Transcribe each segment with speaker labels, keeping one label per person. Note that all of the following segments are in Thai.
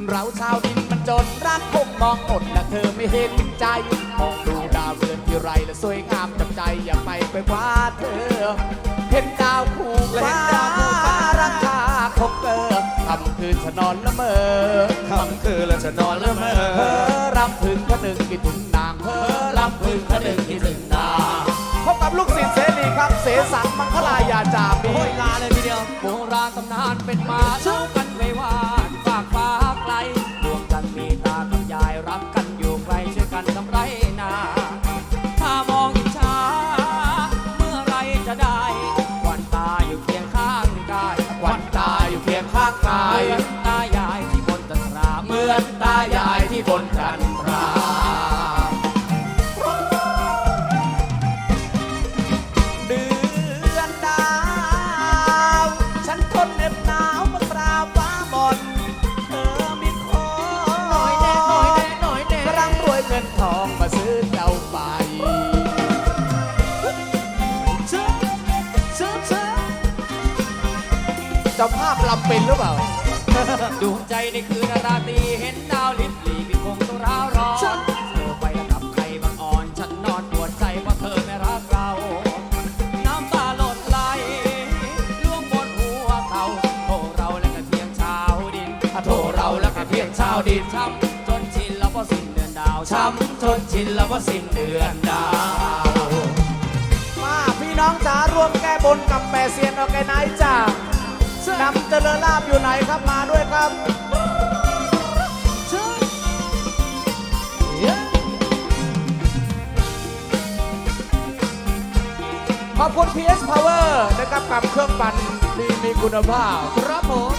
Speaker 1: เราชาวดินมันจนรักคงมองอดและเธอไม่เห็นใจมองดูดาวเรือนที่ไรและสวยงามจับใจอยากไปกว่าเธอเห็นดาวคู่ฟ้าราคาคงเกินคำคืนฉันนอนละเมอ
Speaker 2: คำคืนแล้วจะนอนละเมอ
Speaker 1: รำพึงก็นึงคิดถึงนางรำพึงก็นึงคิดถึงนางพบกับลูกศิษย์เสรีครับเสสังมังคลายาจามี
Speaker 3: ลาเลยทีเดียวโบราณตำนานเป็นมาเล่ากันไว้ว่าฝากฟ้าไกลรวมกันมีตากับยายรักกันอยู่ไกลช่วยกันทำไรนาถ้ามองอิจฉาเมื่อไรจะได้ควันตาอยู่เคียงข้างกาย
Speaker 1: ควันตาอยู่เคียงข้างกาย
Speaker 3: ตายายที่บนจันทรา
Speaker 1: เหมือนตายายที่บนจันทราเจ้าภาพลำเป็นหรือเปล่า
Speaker 3: ดวงใจในคืนราตรีเห็นดาวลิบหลีพี่คงต้องร้าวร้อนเธอไปแล้วกับใครบางอ่อนฉันนอนปวดใจเพราะเธอไม่รักเราน้ำตาหล่นไหลล่วงบนหัวเขาโทรเราและก็เพียงชาวดิน
Speaker 1: โทรเราและก็เพียงชาวดิน
Speaker 3: ช้ำจนชินแล้วก็สิ้นเดือนดาว
Speaker 1: ช้ำจนชินแล้วก็สิ้นเดือนดาวมาพี่น้องจ๋าร่วมแก้บนกับแม่เซียนออแกไนซ์จ้านำเจริญลาภอยู่ไหนครับมาด้วยครับขอบคุณ PS Power นะครับกับเครื่องปั่นที่มีคุณภาพ
Speaker 3: ครับผม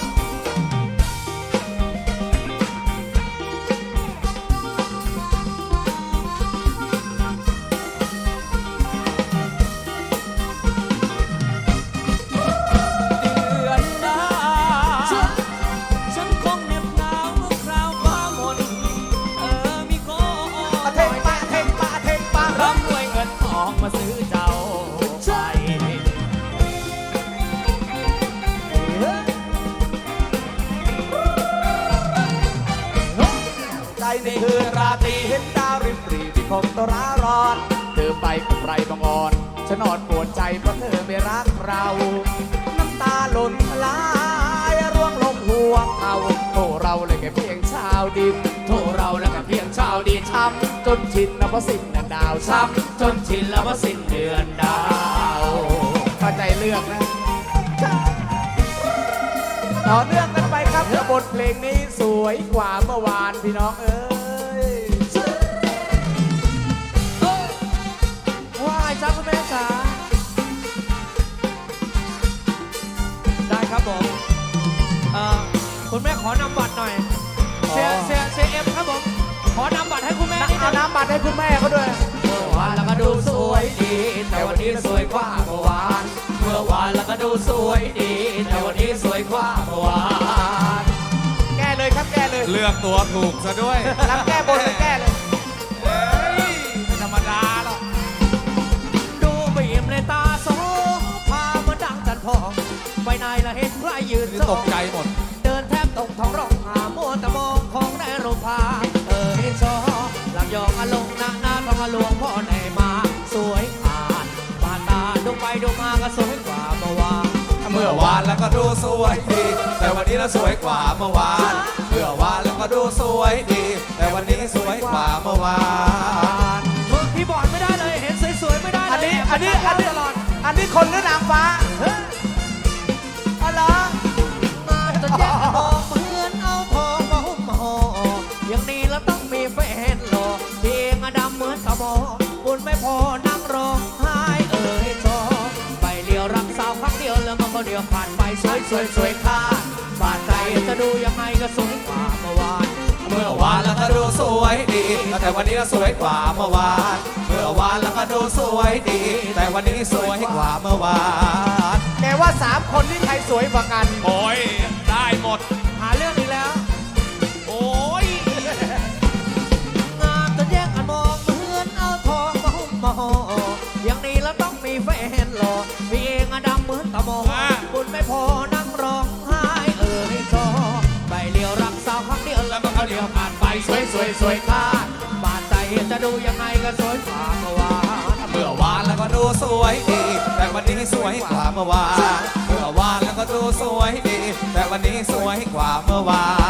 Speaker 1: ในคืนราตรีเห็นดาวริบหรี่ที่คงตราร้อนเธอไปกับใครบางอ่อนฉันนอนปวดใจเพราะเธอไม่รักเราน้ำตาหล่นไหลร่วงลงหัวเขาโทรเราเลยแค่เพียงชาวดิน
Speaker 3: โทรเราแล้วแค่เพียงชาวดิน
Speaker 1: ช้ำจนชินแล้วเพราะสิ้นเดือนดาว
Speaker 3: ช้ำจนชินแล้วเพราะสิ้นเดือนดาว
Speaker 1: เข้าใจเลือกนะต่อเนื่องกันไปครับบทเพลงนี้สวยกว่าเมื่อวานพี่น้องเอ้ย
Speaker 3: ว้ายจ้าคุณแม่จ๋าได้ครับผมคุณแม่ขอนำบัตรหน่อยเสียเอ็มครับผมขอนำบัตรให้คุณแม่
Speaker 1: เอาน้ำบัตรให้คุณแม่เขาด้วย
Speaker 3: เมื่อวานแล้วก็ดูสวยดีแต่วันนี้สวยกว่าเมื่อวานเมื่อวานแล้วก็ดูสวยดีแต่วันนี้สวยกว่าเมื่อวาน
Speaker 1: แก้เลยครับแก้เลย
Speaker 2: เลือกตัวถูกซะด้วย
Speaker 1: รับแก้บนเลยแก้เลย
Speaker 2: ไม่ธรรมดาหรอก
Speaker 3: ดูบีมในตาโซพามาดังจันพองไปไหนละเห็นใครยืน
Speaker 2: ตกใจหมด
Speaker 3: เดินแทบตกท้องร้องหามัวแต่มองของในโรงพาให้ชอหลับยองอารมณ์หน้าทองอลวงพ่อไหนมาสวยผ่านผ่านตาดูไปดูมาก็สวยกว่าเมื่อวาน
Speaker 2: เมื่อวานแล้วก็ดูสวยดีแต่วันนี้เราสวยกว่าเมื่อวานเมื่อวานแล้วก็ดูสวยดีแต่วันนี้สวยกว่าเมื่อวาน
Speaker 3: พี่บอลไม่ได้เลยเห็นสวยๆไม่ได้
Speaker 1: อันนี้ตลอดอันนี้คนหรือนางฟ้าอะไร
Speaker 3: มาจะแยกมองเหมือนเอาทองมาหุ้มห่ออย่างนี้แล้วต้องมีแฟนหล่อเพียงดำเหมือนกระบอกบุญไม่พอนั่งร้องไห้จอไปเลี้ยวรักสาวครั้งเดียวแล้วมันก็เดียวผ่านไปสวยข้าบาดใจจะดูยังไงก็สวยกว่าเมื่อวาน
Speaker 2: เมื่อวานแล้วก็ดูสวยดีแต่วันนี้ก็สวยกว่าเมื่อวานเมื่อวานแล้วก็ดูสวยดีแต่วันนี้สวยกว่าเมื่อวาน
Speaker 1: แกว่า3คนที่ใครสวยกว่ากัน
Speaker 2: โอ้ยได้หมด
Speaker 3: หาเรื่องอีกแล้ว
Speaker 2: โอ้ย
Speaker 3: งามจนแยกกันมองเหมือนเอาทองมาหุ้มมาห่ออย่างนี้แล้วต้องมีแฟนหล่อพี่เองดำเหมือนตะมองบุญไม่พอนั่งร้องไห้จอไปเลี้ยวรักสาวครั้งเดียวแล้ววยสวยค่าบาดใจจะดูยังไงก็สวยกว่าเมื่อวาน
Speaker 2: เมื่อวานแล้วก็ดูสวยดี แต่วันนี้สวยกว่าเมื่อวานเมื่อวานแล้วก็ดูสวยดี แต่วันนี้สวยกว่าเมื่อวาน